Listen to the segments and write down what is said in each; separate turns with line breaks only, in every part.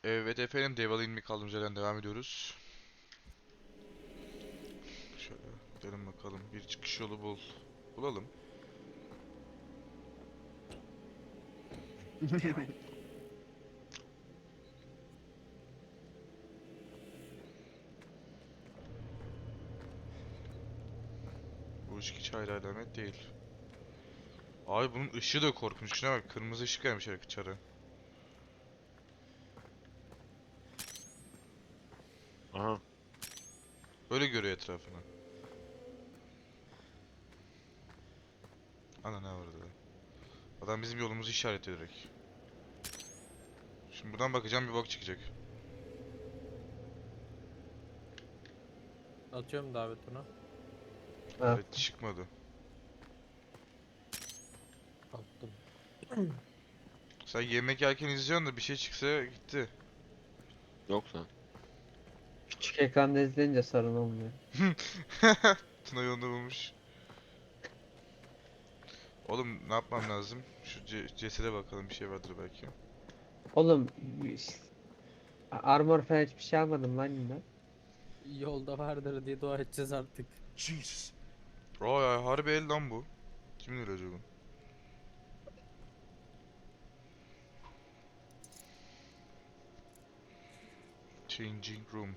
Evet efendim, Devil ilmi kaldığımız yerden devam ediyoruz. Şöyle gidelim bakalım. Bir çıkış yolu bulalım. Bu ışık hiç hayra alamet değil. Abi bunun ışığı da korkunç. Şuna bak, kırmızı ışık vermiş çara.
Aha.
Öyle görüyor etrafını. Ana ne var orada? Adam bizim yolumuzu işaretliyor direkt. Şimdi buradan bakacağım, bir bok çıkacak.
Atıyorum davet ona.
Evet, çıkmadı.
Attım.
Sen yemek yerken izliyorsun da bir şey çıksa gitti.
Yok lan.
Küçük ekranda izleyince sorun olmuyor.
Tuna yolunu bulmuş. Oğlum ne yapmam lazım? Şu cesede bakalım, bir şey vardır belki.
Oğlum armor falan hiçbir şey almadım lan yine.
Yolda vardır diye dua edeceğiz artık.
Jesus.
Aa, harbi el lan bu. Kimin öyle acaba? Changing room.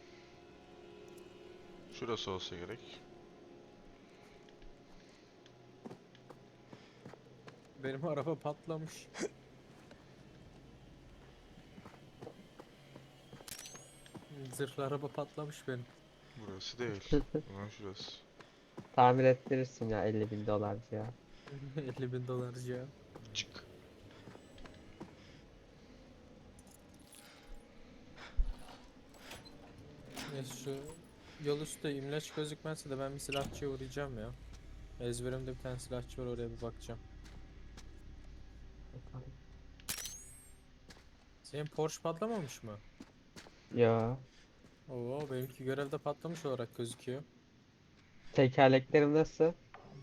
Şurası olsa gerek.
Benim araba patlamış. Zırhlı araba patlamış benim.
Burası değil. Ulan şurası.
Tamir ettirirsin ya 50.000 dolar ya.
50.000 dolarcıya.
Cık.
Neyse şu yol üstü imleç gözükmezse de ben bir silahçıya uğrayacağım ya. Ezberimde bir tane silahçı var, oraya bir bakacağım. Senin Porsche patlamamış mı?
Ya
Oo, benimki görevde patlamış olarak gözüküyor.
tekerleklerim nasıl?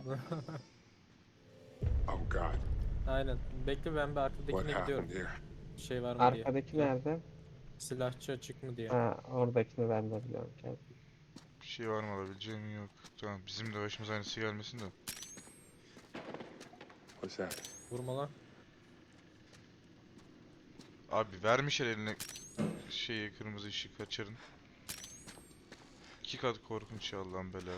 Oh God.
Aynen. Bekle, ben bir
What
arkadakine gidiyorum.
happened here?
Şey var mı diye.
Arkadaki nerede?
Silahçı açık mı diye.
Ha, oradakini ben de biliyorum.
Bir şey var mı alabileceğim? Yok. Tamam, bizim de başımıza aynısı gelmesin de.
What's that?
Vurma lan.
Abi vermişler eline şeyi, kırmızı ışık, kaçırın. 2 kat korkunç ya, Allah'ın bela.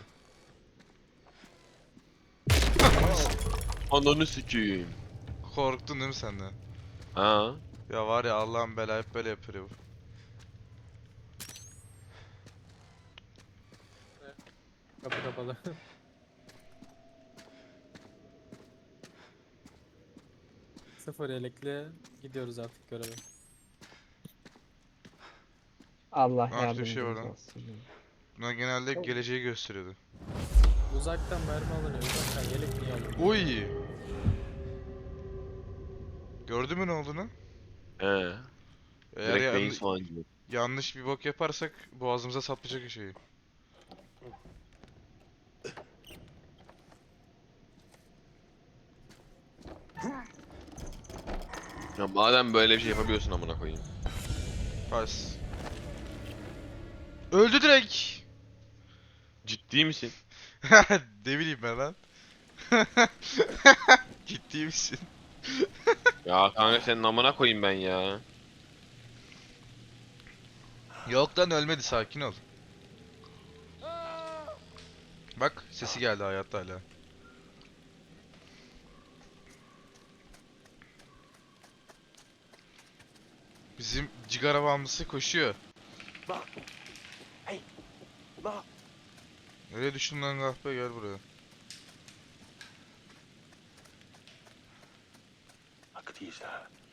Ananı sikeyim.
Korktun değil mi sen de?
Ha.
Ya var ya, Allah'ın bela hep böyle yapıyor bu.
Kapı kapalı. Sıfır yelekle gidiyoruz artık göreve.
Allah
Aa, şurada bir şey var
yardımcımız
lan.
olsun.
Buna genelde geleceği gösteriyordu.
Uzaktan mermi alınıyor. Uzaktan yelek niye alınıyor?
Uy! Gördün mü ne olduğunu?
He.
Eğer
Direkt beyin soğancı.
yanlış bir bok yaparsak boğazımıza saplayacak şeyi.
Ya madem böyle bir şey yapabiliyorsun amına koyayım.
Pas. Öldü direkt.
Ciddi misin?
Ne bileyim ben lan. Ciddi misin?
Ya kanka senin amına koyayım ben ya.
Yok lan, ölmedi, sakin ol. Bak, sesi geldi, hayatta hala. Bizim cigara bağımlısı koşuyor.
Look. Hey. Look.
Nereye düştün lan kahpe, gel buraya.
Look at these.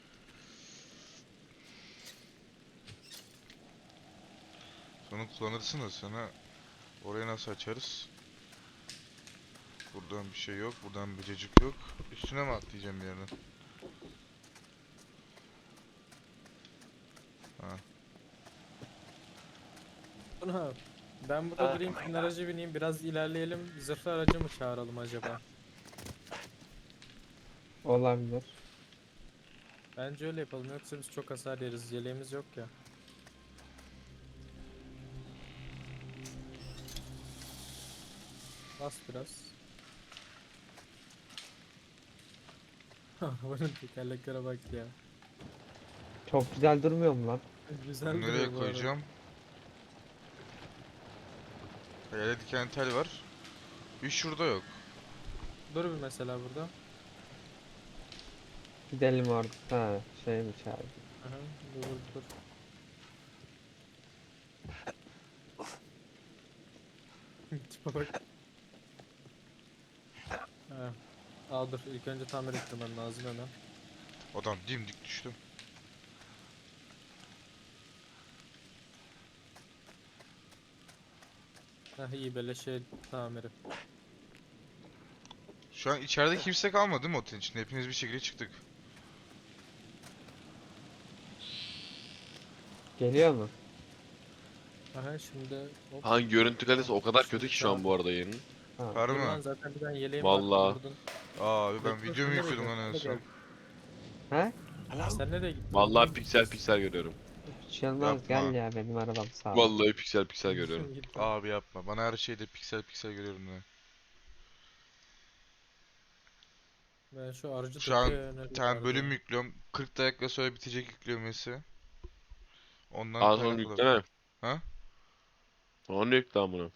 Sonra kullanırsın da sana orayı nasıl açarız? Buradan bir şey yok, buradan bir cacık yok. Üstüne mi atlayacağım bir yerden? Ha.
Buna ben burada durayım, senin araca bineyim, biraz ilerleyelim. Zırhlı aracı mı çağıralım acaba?
Olabilir.
Bence öyle yapalım, yoksa biz çok hasar yeriz. Yeleğimiz yok ya. Bas biraz. Bunun tekerleklere bak ya.
Çok güzel durmuyor mu lan?
Güzel
Nereye
duruyor bu arada.
koyacağım? Yerde diken tel var. Bir şurada yok.
Dur bir mesela burada.
Gidelim orada. Ha şeymiş abi.
Aha, dur dur. Tipe bak. Ha. Aa dur ilk önce tamir ettirmem lazım hemen.
Adam dimdik düştü.
Heh iyi beleşe tamiri.
Şu an içeride kimse kalmadı değil mi otelin içinde? Hepimiz bir şekilde çıktık.
Geliyor mu?
Aha şimdi hop.
Hangi görüntü kalitesi o kadar kötü ki şu an bu arada yayının.
Ha.
Var
Dur
mı?
lan zaten bir tane yeleğim
Vallahi.
var. Vurdun.
Abi ben
Bekle,
video mu
sen nereye
yüklüyordum lan en
gidiyorsun?
son?
Ha?
Hello?
Sen nereye gittin?
Vallahi piksel piksel görüyorum.
Hiç yanmaz gel
Yapma.
ya benim arabam sağ ol.
Vallahi piksel piksel görüyorum.
Git.
Abi yapma. Bana her şeyde piksel piksel görüyorum ya.
Ben şu aracı
Şu an
tepeye yöneliyorum
Bir tane bölüm
harbiden.
yüklüyorum. 40 dakika sonra bitecek yüklemesi. Ondan
Az onu
kaynaklı.
yükleme.
Ha?
Onu yükle amına.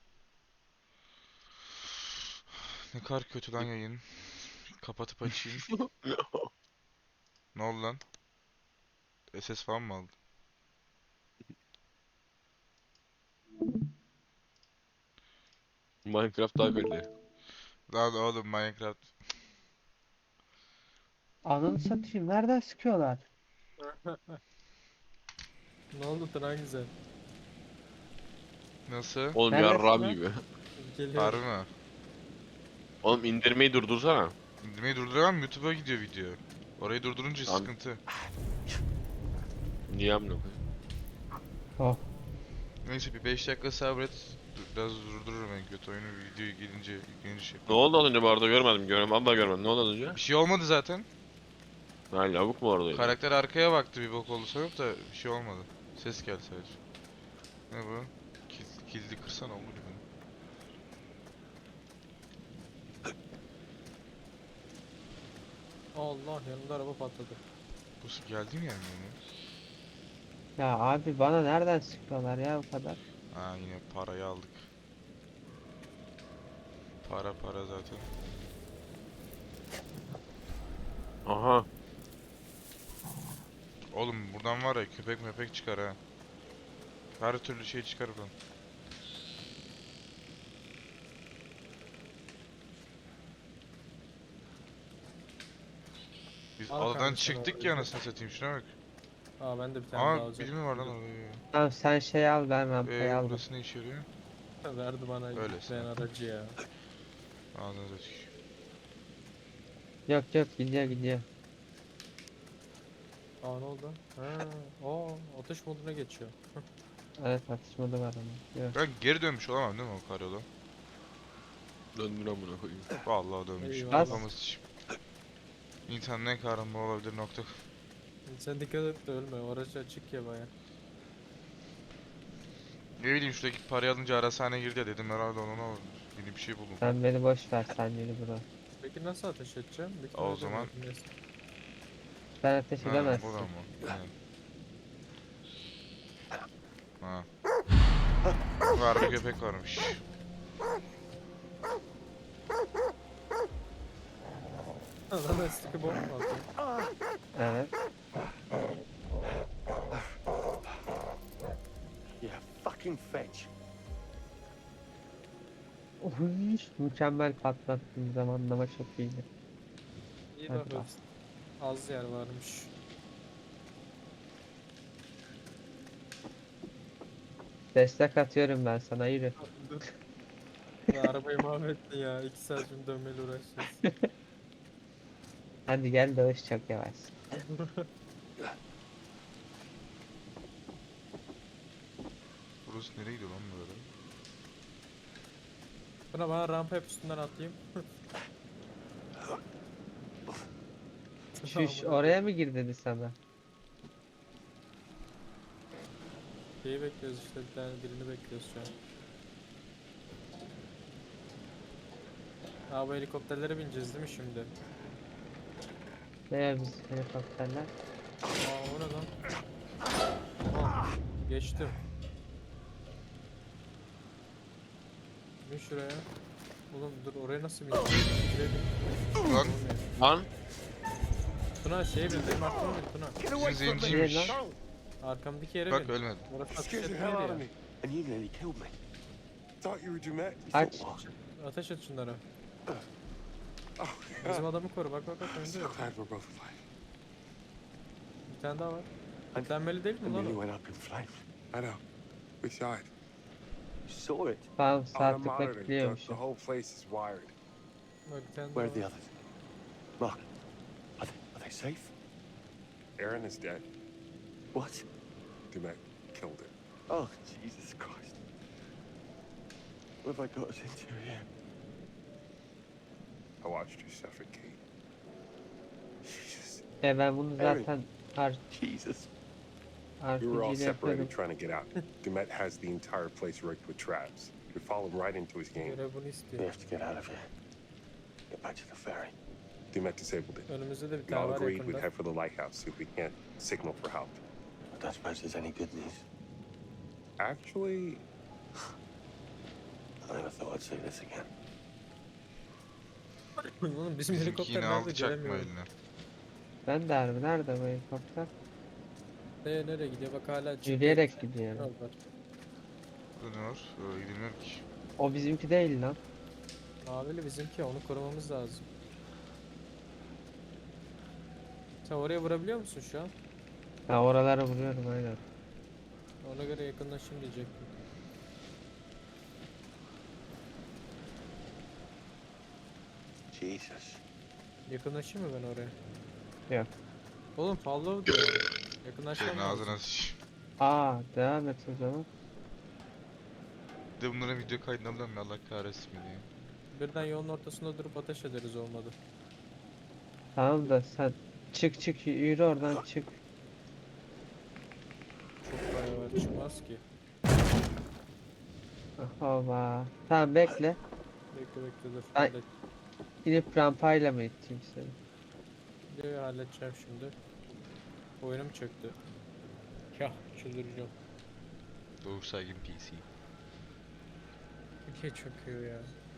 Ne kadar kötü lan yayın. Kapatıp açayım. Ne oldu lan? SS falan mı aldın?
Minecraft daha kaliteli.
Lan oğlum Minecraft.
Ananı satayım nereden sıkıyorlar?
Ne oldu Tran güzel?
Nasıl?
Oğlum
Neredesin
yarram
lan?
gibi.
Geliyor.
Harbi mi?
Oğlum indirmeyi durdursana.
İndirmeyi durduramam, YouTube'a gidiyor video. Orayı durdurunca
Tamam.
sıkıntı.
Niye amına koyayım?
Oh.
Neyse bir 5 dakika sabret. Biraz durdururum en kötü oyunu videoyu gelince yüklenince şey.
Ne oldu az önce bu arada görmedim. Vallahi görmedim. Ne oldu az önce?
Bir şey olmadı zaten.
Ha lavuk mu oradaydı?
Karakter arkaya baktı bir bok oldu sanıp da bir şey olmadı. Ses geldi sadece. Ne bu? Kilidi kırsana olur gibi.
Allah yanımda araba patladı.
Bu geldi mi yani yani?
Ya abi bana nereden sıkıyorlar ya bu kadar?
Ha yine parayı aldık. Para zaten.
Aha.
Oğlum buradan var ya köpek mepek çıkar ha. Her türlü şey çıkar buradan. Biz
Al
adadan
kardeşim
çıktık
orayı.
ya anasını satayım şuna bak.
Aa ben de bir tane daha
Ama
alacağım.
biri mi var lan orada?
Tamam sen şey al ben rampayı aldım.
Burası ne işe yarıyor?
Verdi bana
Öylesine.
ben aracı ya.
Ağzınıza tükür.
Yok yok gidiyor.
Aa ne oldu? Ha, atış moduna geçiyor.
Evet atışmada var ama. Yok.
Ben geri dönmüş olamam değil mi o karyola?
Döndür amına koyayım.
Vallahi dönmüş.
Eyvallah.
Kafamı sıçayım. İnsan ne kahraman olabilir nokta.
Sen dikkat et de ölme. O araç açık ya baya.
Ne bileyim şuradaki parayı alınca arasane girdi ya dedim herhalde ona oldu. Yeni bir şey buldum.
Sen beni boş ver sen yürü bura.
Peki nasıl ateş edeceğim? Büyük
O
ihtimalle
zaman-
edemiyorum, neyse.
Sen ateş
Ha,
edemezsin.
buradan mı? Ha. Var bir köpek varmış.
Lan eski bomba atıyor.
Evet.
Yeah, fucking fetch.
Uy, mükemmel patlattığın zamanlama çok iyiydi.
İyi
Hadi
laf
bak.
etsin. Az yer varmış.
Destek atıyorum ben sana yürü.
Dur. Ya arabayı mahvettin ya. 2 saat şimdi dönmeyle uğraşacağız.
Hadi gel dağış çok yavaş.
Burası nereye gidiyor lan böyle?
Buna bana rampa hep üstünden atayım.
Şuş oraya mı gir dedi sana?
Şeyi bekliyoruz işte bir tane birini bekliyoruz şu an. Aa, bu helikopterlere bineceğiz değil mi şimdi?
Ne biz helikopterler?
Aa, o ne lan? Aa, geçtim. Bin şuraya. Oğlum dur, oraya nasıl bineceğim? Şuraya bin.
Lan
Olmuyor.
Lan
Tuna şeye bin, benim arkama bin Tuna.
Get away
bizim
from me!
zenciymiş.
Don't!
Arkamdaki yere
Bak
bin.
ölmedi.
Orası
You
ateş
scared the
etmeydi
hell out
ya.
of me. And you nearly killed me. Thought you were Dumet. You
Aç.
thought, well,
Ateş et şunlara.
oh,
Bizim
God.
adamı koru, bak bak bak
I'm
önde.
so glad we're both alive.
Bir tane daha var. Kitlenmeli değil
The
mi lan
mini
o?
went up in flames. I know. We saw it. You saw it?
Tamam
On the
saatlik
monitor, the
bekliyormuşum.
whole place is wired.
Bak bir tane
Where are the
daha var.
others? Look. Are they safe? Aaron is dead. What? Dumet killed him. Oh, Jesus Christ. What have I got us into here? I watched you suffocate. Jesus.
Ben bunu zaten
Jesus. We were all
RPG'de
separated
yapıyordum.
trying to get out. Dumet has the entire place rigged with traps. We fall him right into his game.
Görev bunu
We
istiyor.
have to get out of here. Get back to the ferry. Dumet disabled it.
Önümüzde de bir
We
tane
all
var
agreed we'd
yakında.
head for the lighthouse see if we can't signal for help.
I don't suppose there's any good news.
Actually,
I never thought I'd see this again.
Oğlum bizim
Bizimki
helikopter
yine
nerede
aldı çakma
göremiyorum.
eline.
Ben de harbi nerede bu helikopter?
Nereye gidiyor bak hala çıktı.
Yürüyerek gidiyor.
Yol var.
Burada ne var? Öyle gidilmiyor ki.
O bizimki değil lan.
Mavili bizimki, onu korumamız lazım. Sen oraya vurabiliyor musun şu an?
Ben oralara vuruyorum aynen.
Ona göre yakınlaşayım diyecektim.
Jesus.
Yakınlaşayım mı ben oraya?
Yok.
Oğlum follow diyor. Yakınlaşmam
Senin
lazım.
ağzına sıç.
Devam et o zaman.
Bir de bunların video kaydını alalım ya Allah kahretsin beni ya.
Birden yolun ortasında durup ateş ederiz olmadı.
Tamam da sen çık yürü oradan çık.
Çok bayağı var, çıkmaz ki.
Hova. Tamam bekle.
Bekle dur.
Ay. İnip rampayla mı iteyim seni?
Videoyu halledeceğim şimdi. Oyunum çöktü. Ya çıldıracağım.
Doğuş saygın PC.
Ülke çöküyor ya.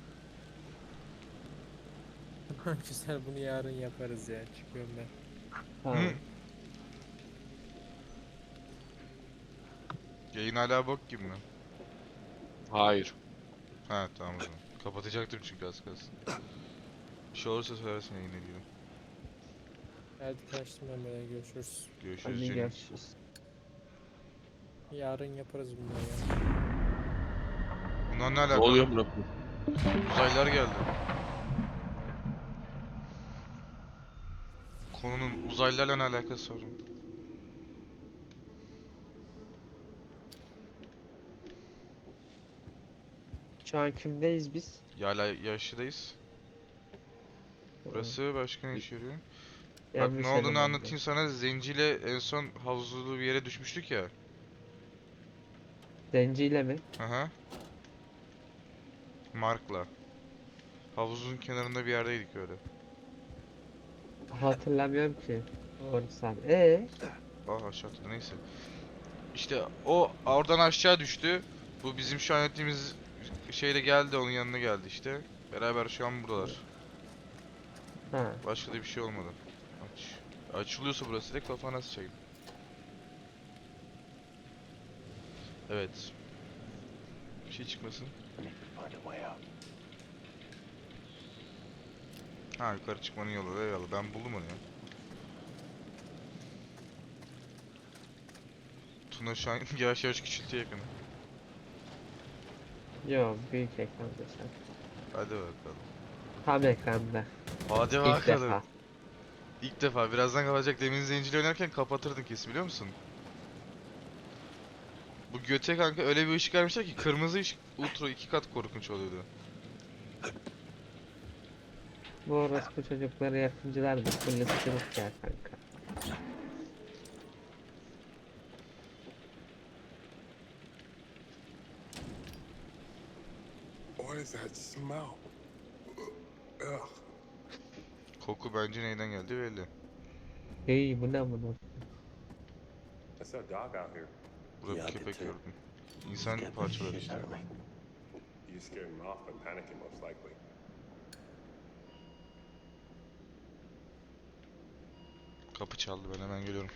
Güzel, bunu yarın yaparız ya. Çıkıyorum ben.
Tamam.
Hı. Yayın hala bok gibi mi?
hayır.
Ha tamam o zaman. Kapatacaktım çünkü az kalsın. Bir şey olursa söylersin yayın ediyorum.
Hadi kaçtım ben, böyle görüşürüz.
Görüşürüz
Hadi
canım.
görüşürüz.
Yarın yaparız bunları ya.
Bunlar ne
Ne
alaka?
oluyor buna?
Uzaylılar geldi. Konunun uzaylılarla ne alakası var?
Şu an kimdeyiz biz?
Hala yaşlıdayız. Burası başka ne işe yarıyor? Bak
Yanlış
ne olduğunu
elemanda.
anlatayım sana. Zenciyle en son havuzlu bir yere düşmüştük ya.
Zenciyle mi?
Aha. Mark'la. Havuzun kenarında bir yerdeydik öyle.
Hatırlamıyorum ki. Doğru sen.
Ah aşağıda neyse. İşte o oradan aşağı düştü. Bu bizim şu an ettiğimiz şeyle geldi, onun yanına geldi işte. Beraber şu an buradalar.
Ha.
Başka da bir şey olmadı. Açılıyorsa burası direkt kafana sıçayım. Evet. Bir şey çıkmasın.
I need to find a way out.
Ha yukarı çıkmanın yolu eyvallah, ben buldum onu ya. Tuna şu an yavaş yavaş küçültüyor yakını.
Yo büyük ekranda sen.
Hadi bakalım.
Tam ekranda.
Hadi
İlk
bakalım.
defa.
İlk defa. Birazdan kapatacak. Demin zenciyle oynarken kapatırdın kesin, biliyor musun? Bu göte kanka öyle bir ışık vermişler ki kırmızı ışık ultra 2 kat korkunç oluyordu.
Bu orospu çocukları yapımcılar da full ısırık ya kanka.
what is that smell?
Koku bence neyden geldi belli.
Hey bu ne bunu?
I saw a dog out here.
Burada
Yeah,
bir
I did
köpek
too.
gördüm.
He
İnsan
scared the
parçaları
shit
işte.
out of me.
You scared him off by panicking, most likely.
Kapı çaldı, ben hemen geliyorum.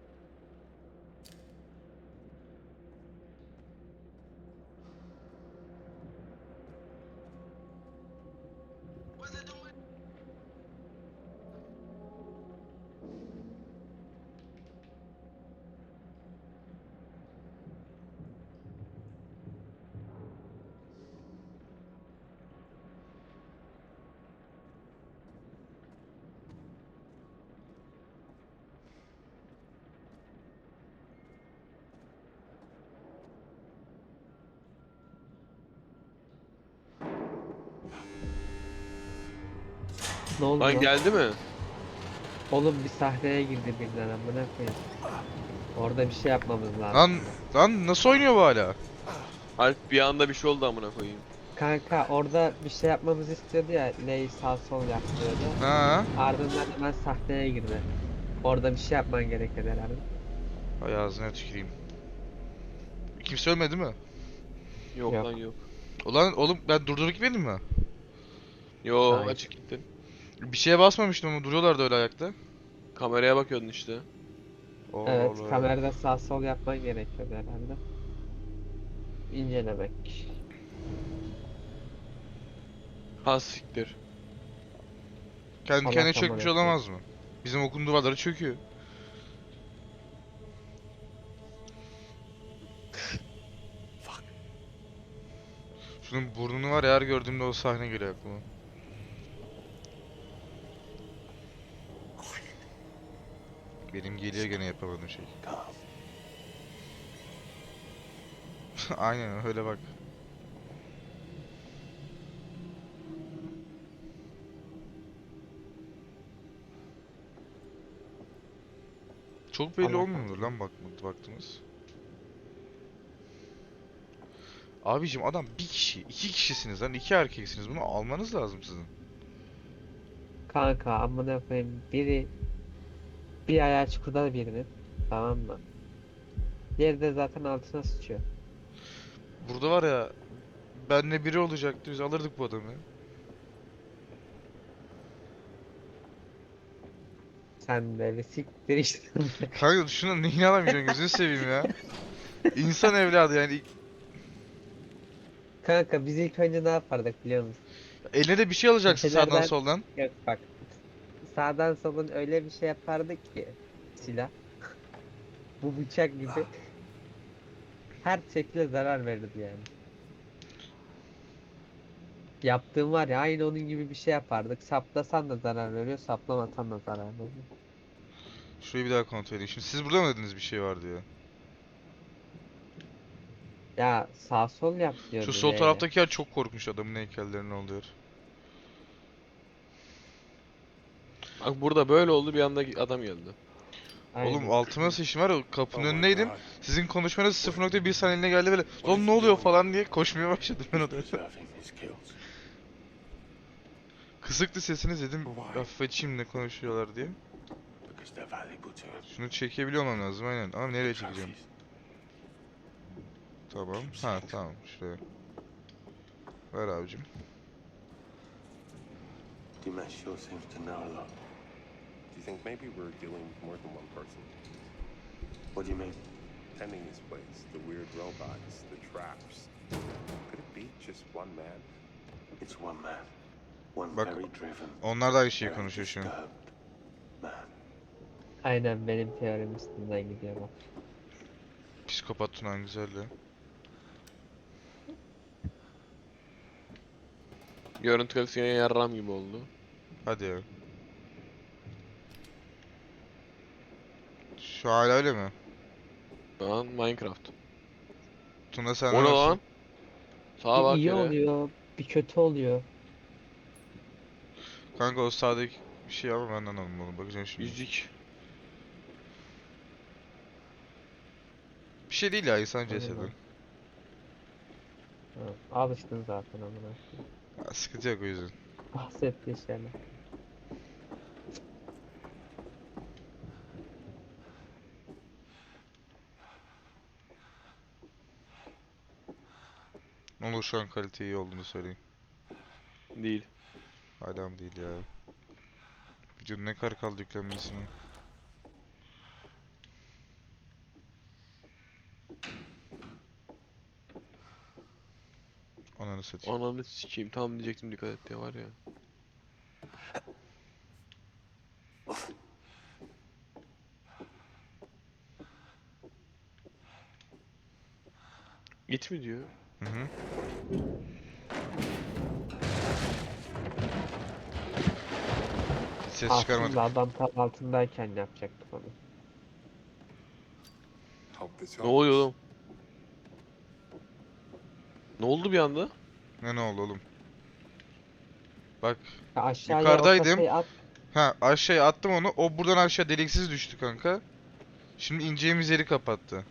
Ne oldu
Lan
lan?
geldi mi?
Oğlum bir sahneye girdi birden amına koyayım. Orada bir şey yapmamız lazım.
Lan lan nasıl oynuyor bu hala?
Alp bir anda bir şey oldu amına koyayım.
Kanka orada bir şey yapmamızı istiyordu ya. Ley sağ sol yap diyordu.
Ha?
Ardından hemen sahneye girdi. Orada bir şey yapman gerekiyor herhalde.
Ay ağzına tüküreyim. Kimse ölmedi mi?
Yok,
Yok.
lan yok.
Ulan oğlum ben durdurup gitmedim mi?
Yo,
Hayır.
açık gittin.
Bir şeye basmamıştım ama duruyorlardı öyle ayakta.
Kameraya bakıyordun işte.
Allah
Evet,
Allah.
kamerada sağ sol yapman gerekiyordu herhalde. İncelemek.
Ha siktir.
Kendi
Salak
kendine çökmüş
amına
olamaz mı? Bizim okulun duvarları çöküyor. Şunun burnunu var ya, her gördüğümde o sahne geliyor aklıma. Benim geliyor gene yapamadığım şey.
Calm.
Aynen öyle bak. Çok belli
Allah
olmuyor lan baktınız. Abicim adam bir kişi, iki kişisiniz lan, iki erkeksiniz. Bunu almanız lazım sizin.
Kanka amına koyayım biri bir ayağı çukurda birinin, tamam mı? Diğeri de zaten altına sıçıyor.
Burada var ya, benle biri olacaktı, biz alırdık bu adamı.
Sen de bir siktir işte.
Kanka şuna neyini alamayacaksın, gözünü seveyim ya. İnsan evladı yani.
Kanka biz ilk önce ne yapardık biliyor musun?
Eline de bir şey alacaksın sağdan
Köşelerden-
soldan.
Yok bak. Sağdan solun öyle bir şey yapardık ki silah. Bu bıçak gibi. Her şekilde zarar verirdi yani. Yaptığım var ya aynı onun gibi bir şey yapardık. Saplasan da zarar veriyor, saplamasan da zarar veriyor.
Şurayı bir daha kontrol edeyim. Şimdi siz burada mı dediniz bir şey var diye?
Ya sağ sol yap diyordu
Şu sol
L'yle.
taraftaki yer çok korkmuş, adamın heykellerine oluyor.
Bak burada böyle oldu, bir anda adam geldi.
Aynen.
Oğlum altıma sıçtım var ya, kapının
Oh my
önündeydim.
God.
Sizin konuşmanız 0.1 saniyeliğine geldi böyle. Lan ne oluyor falan diye koşmaya başladım ben odaya.
Preserving his kills.
Kısıktı sesiniz, dedim
Why?
hafif açayım ne konuşuyorlar diye.
Because they're valuable to us.
Şunu çekebiliyor olmam lazım aynen, ama nereye çekeceğim?
Trophies.
Tamam. Ha tamam, şuraya. Ver abicim.
Dimash sure seems to know a lot.
Do you think maybe we're dealing with more than one person?
What do you mean?
Tending this place, the weird robots, the traps. Could it be just one man?
It's one man. One
Bak,
very driven,
Onlar da aynı şeyi
very
konuşuyor şu an.
disturbed man.
Aynen benim teorim üstünden gidiyor bak.
Psikopat Tunan güzeldi.
Görüntü kalitesi yine yarram gibi oldu.
Hadi ya. Şu hala öyle mi?
Şu an Minecraft.
Tuna sen
O ne lan? Sağa
Bir
bak
iyi
yere.
oluyor, bir kötü oluyor.
Kanka o sağdaki bir şey ama ben anlamadım onu. Bakacağım şimdi.
Yüzük.
Bir şey değil ya, insan
Aynen
cesedi.
öyle. Ha, alıştın zaten amına.
Ha, sıkıntı yok o yüzden.
Bahsettiği şeyler.
Ne olur şu an kalite iyi olduğunu söyleyin.
Değil.
Adam değil ya. Videonun ne kadar kaldı yüklenmesine. Ananı satayım.
Ananı sikeyim. Tam diyecektim dikkat et diye var ya. Git mi diyor?
Hı hı. Hiç ses çıkarmadık.
Aslında adam tam altındayken yapacaktık onu.
Hope this
Ne oluyor
helps.
oğlum? Ne oldu bir anda?
Ne oldu oğlum? Bak
Ya aşağıya o
yukarıdaydım.
kasayı at.
Ha aşağıya attım onu. O buradan aşağı deliksiz düştü kanka. Şimdi ineceğimiz yeri kapattı.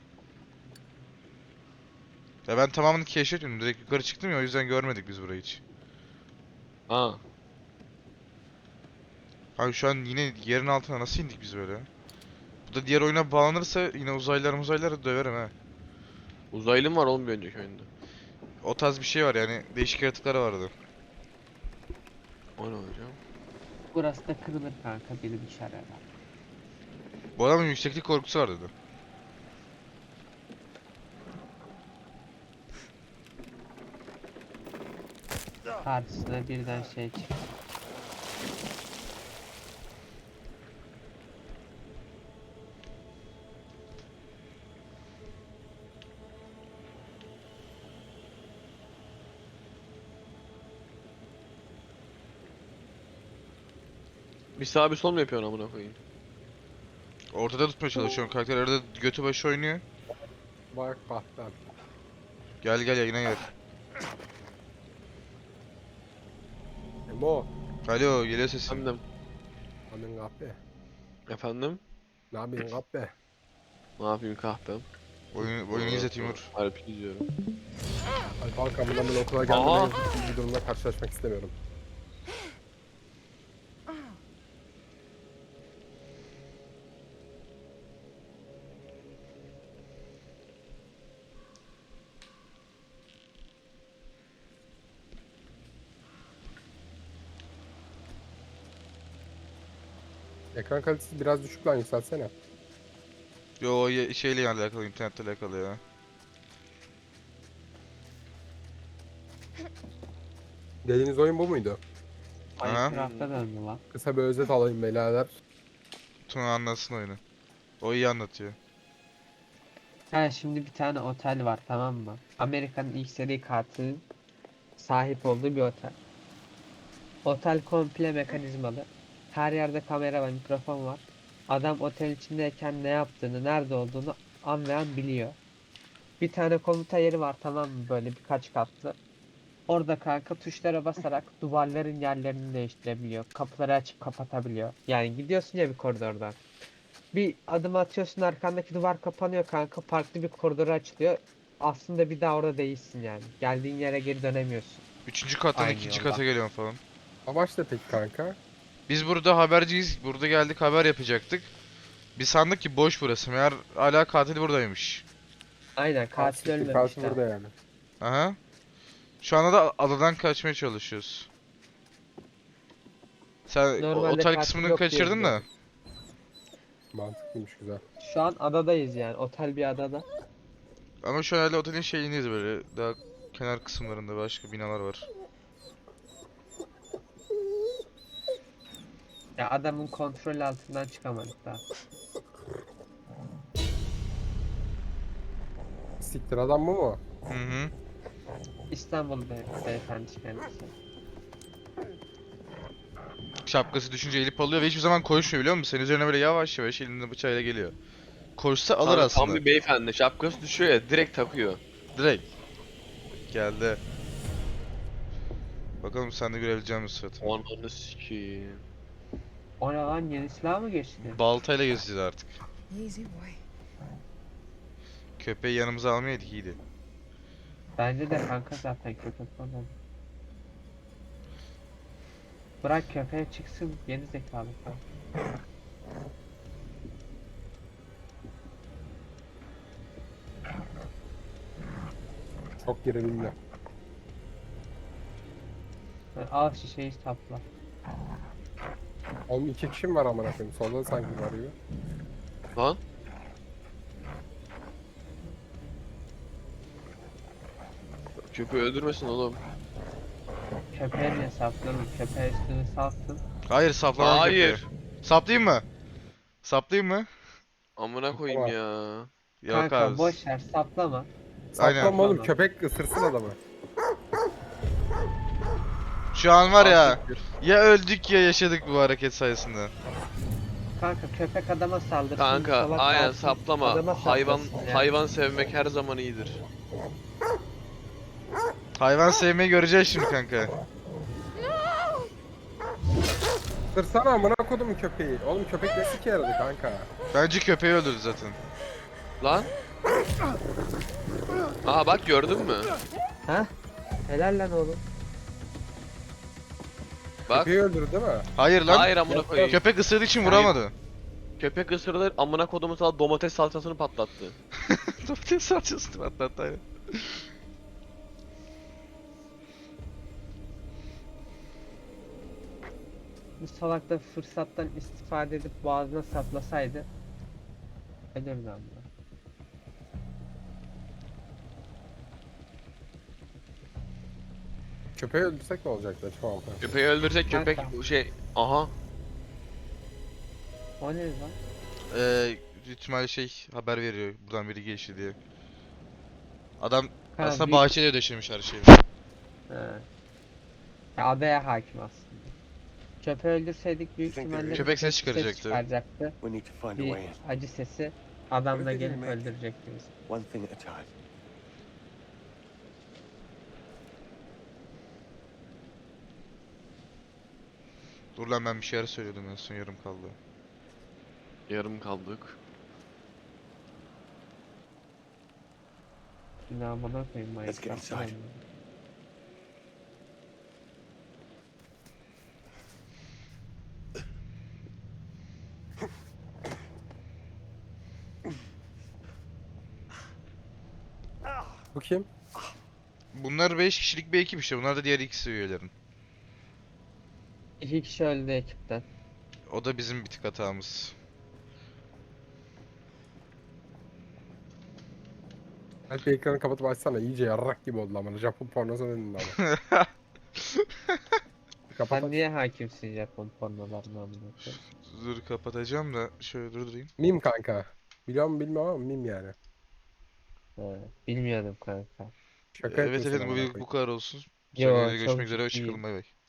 Ya ben tamamını keşfetmedim. Direkt yukarı çıktım ya, o yüzden görmedik biz burayı hiç.
Ha.
Abi şu an yine yerin altına nasıl indik biz böyle? Bu da diğer oyuna bağlanırsa yine uzaylıları döverim ha.
Uzaylı mı var oğlum bir önceki oyunda?
O tarz bir şey var yani, değişik yaratıklar vardı.
O ne hocam?
Burası da kırılır kanka, biri düşer herhalde.
Bu adamın yükseklik korkusu var dedi.
Karşısına birden şey çıktı.
Bir sağ bir sol mu yapıyorsun amına koyayım?
Ortada tutmaya çalışıyorum. Karakter arada götü başı oynuyor.
Bak bahtan.
Gel gel yayına gel.
Emo.
Alo, geliyor sesin.
Efendim.
Amin kahpe.
Efendim?
Ne yapayım kahpe?
Ne yapayım kahpem?
Oyunu izle Timur.
Harbi izliyorum.
Ay kanka bundan ben okula
Aha.
gelmeden bir durumla karşılaşmak istemiyorum. Ekran kalitesi biraz düşük lan, yükseltsene.
Yo o şeyle alakalı, internetle alakalı ya.
Dediğiniz oyun bu muydu?
Aha.
Minecraft'a döndü lan.
Kısa bir özet alayım beyler.
Tuna anlatsın oyunu. O iyi anlatıyor.
Ha, şimdi bir tane otel var, tamam mı? Amerika'nın ilk seri katilinin sahip olduğu bir otel. Otel komple mekanizmalı. Her yerde kamera ve mikrofon var. Adam otel içindeyken ne yaptığını, nerede olduğunu an ve an biliyor. Bir tane komuta yeri var, tamam mı? Böyle birkaç katlı. Orada kanka tuşlara basarak duvarların yerlerini değiştirebiliyor. Kapıları açıp kapatabiliyor. Yani gidiyorsun ya bir koridordan. Bir adım atıyorsun, arkandaki duvar kapanıyor kanka. Farklı bir koridora açılıyor. Aslında bir daha orada değilsin yani. Geldiğin yere geri dönemiyorsun.
Üçüncü kattan
Aynı
ikinci
yolda.
kata geliyorum falan.
Amaç ne peki kanka?
Biz burada haberciyiz. Burada geldik, haber yapacaktık. Biz sandık ki boş burası. Meğer hala katil buradaymış.
Aynen, katil
Siktir,
ölmemiş
katil
de.
burada yani.
Aha. Şu anda da adadan kaçmaya çalışıyoruz. Sen
Normalde
otel
katil
kısmını
yok diye
kaçırdın da.
biliyorum.
Mantıklıymış, güzel.
Şu an adadayız yani. Otel bir adada.
Ama şu an hala otelin şeyindeyiz böyle. Daha kenar kısımlarında başka binalar var.
Ya adamın kontrol altından çıkamadık daha.
Siktir, adam bu mu?
Hı hı.
İstanbul beyefendi kendisi.
Şapkası düşünce elip alıyor ve hiçbir zaman koşmuyor, biliyor musun? Senin üzerine böyle yavaş yavaş elinde bıçağıyla geliyor. Koşsa alır
Tam
aslında.
bir beyefendi. Şapkası düşüyor ya direkt takıyor.
Direkt. Geldi. Bakalım sen de görebileceğin misin Suat?
Ananı sikeyim.
O ne lan, yeni silah mı geçti?
Baltayla gezeceğiz artık.
Easy boy.
Köpeği yanımıza almayaydık, iyiydi.
Bence de kanka zaten köpek falan. Bırak köpeğe çıksın geri zekalı falan.
Çok gerilimli.
Al şişeyi sapla.
Oğlum 2 kişi mi var amına koyayım? Solda da sanki var gibi.
Lan. Köpeği öldürmesin oğlum.
Köpeğe niye sapladın? Köpeğe üstünü salsın.
Hayır saplamam
Hayır.
köpeği. Saplayayım mı? Saplayayım mı?
Amına koyayım
Tamam.
ya.
Yok
Kanka
abi.
boş ver saplama.
Aynen.
Saklama oğlum,
Tamam.
köpek ısırsın adamı.
Şu an var ya.
Siktir.
Ya öldük ya yaşadık bu hareket sayesinde.
Kanka köpek adama saldırsın.
Kanka
sola
aynen
kalsın,
saplama.
adama
Hayvan
saplasın ya.
hayvan sevmek her zaman iyidir.
Hayvan sevmeyi göreceğiz şimdi kanka.
Isırsana amına kodum köpeği. Oğlum köpek ne sike yaradı kanka.
Bence köpeği öldürdü zaten.
Lan. Aha bak gördün mü?
Ha? Helal lan oğlum.
Bak.
Köpeği öldürdü değil mi?
Hayır lan.
Hayır amına koyayım.
Köpek ısırdığı için vuramadı.
Köpek ısırılır amına kodumu sana domates salçasını patlattı.
Domates salçasını patlattı aynen.
Bu salak da fırsattan istifade edip boğazına saplasaydı ölürdü ama.
Köpeği öldürsek ne olacaktı? Tamam.
Köpeği öldürecek köpek
Kanka.
şey aha.
O ne lan?
İhtimal şey haber veriyor buradan biri geçti diye. Adam
Ha,
aslında
bir-
bahçede döşemiş her şeyi.
He. Ya adaya hakim aslında. Köpeği öldürseydik büyük
Köpek
ihtimalle
Köpek ses
ses
çıkaracaktı.
çıkaracaktı.
We need to find a
Bir
way in.
acı sesi adam da
Öyle
gelip
demek.
öldürecekti bizi.
One thing at a time.
Dur lan ben bir şeyler söylüyordum en son yarım kaldı.
Yarım kaldık.
Ne amına koyayım
Let's get
Minecraft'tan
inside.
oynuyor.
Bu kim?
Bunlar 5 kişilik bir ekip işte. Bunlar da diğer ikisi üyelerin.
2 kişi öldü ekipten.
O da bizim bir tık hatamız.
Belki ekranı kapatıp açsana, iyice yarrak gibi oldu amına. Japon pornosu önünde ama. Kapat
Sen
aç.
niye hakimsin Japon pornolarına amına koyayım?
Dur kapatacağım da şöyle durdurayım.
Mim kanka. Biliyor musun bilmiyorum ama mim yani.
He, bilmiyordum kanka.
Şaka
Evet
etmesin
evet
amına
bu
koyayım.
bu kadar olsun.
Yo,
Sonra
çok
görüşmek üzere.
ciddiyim.
Hoşçakalın bay bay.